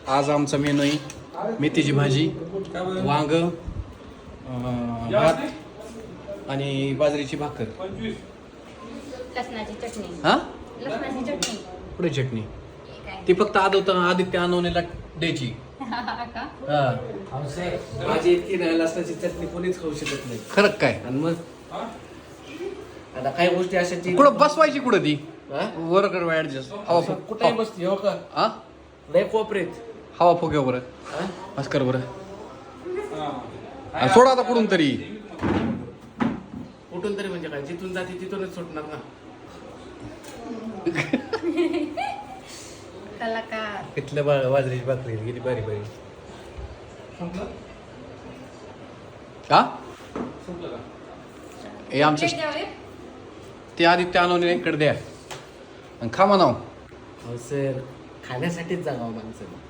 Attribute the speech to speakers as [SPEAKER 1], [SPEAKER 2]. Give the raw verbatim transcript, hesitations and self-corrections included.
[SPEAKER 1] आज आमचा मेनू आहे मेथीची भाजी, वांग, अं, भात आणि बाजरीची भाकर.
[SPEAKER 2] लसणाची चटणी.
[SPEAKER 1] हा
[SPEAKER 2] लसणाची चटणी.
[SPEAKER 1] पुढे चटणी ती फक्त आदवता आदित्य आणवणीला द्यायची.
[SPEAKER 2] का?
[SPEAKER 1] हा
[SPEAKER 3] माझी इतकी नाही लसणाची चटणी कोणीच खाऊ शकत नाही.
[SPEAKER 1] खरं काय?
[SPEAKER 3] आणि मग आता काही गोष्टी अशाची
[SPEAKER 1] कुठं बसवायची कुठं ती
[SPEAKER 3] हा?
[SPEAKER 1] वरकड ऍडजस्ट हवा फुक
[SPEAKER 3] कुठे बसते हो का
[SPEAKER 1] हा
[SPEAKER 3] लय कोपरेत
[SPEAKER 1] हवा फुक्या बरं
[SPEAKER 3] हा?
[SPEAKER 1] भास्कर बरं आणि सोडा आता कुठून तरी.
[SPEAKER 3] कुठून तरी म्हणजे काय जिथून जाते तिथूनच सुटणार ना.
[SPEAKER 2] कलाकार.
[SPEAKER 3] कितल्या बा बाजरीची भाकरी किती बारी बारी.
[SPEAKER 1] हा हे आमचं
[SPEAKER 2] प्लेट द्यावे?
[SPEAKER 1] ते आदित्य आणवणीकडे द्या आणि खा म्हणाव.
[SPEAKER 3] हो सर खाण्यासाठीच जागावं माणसं.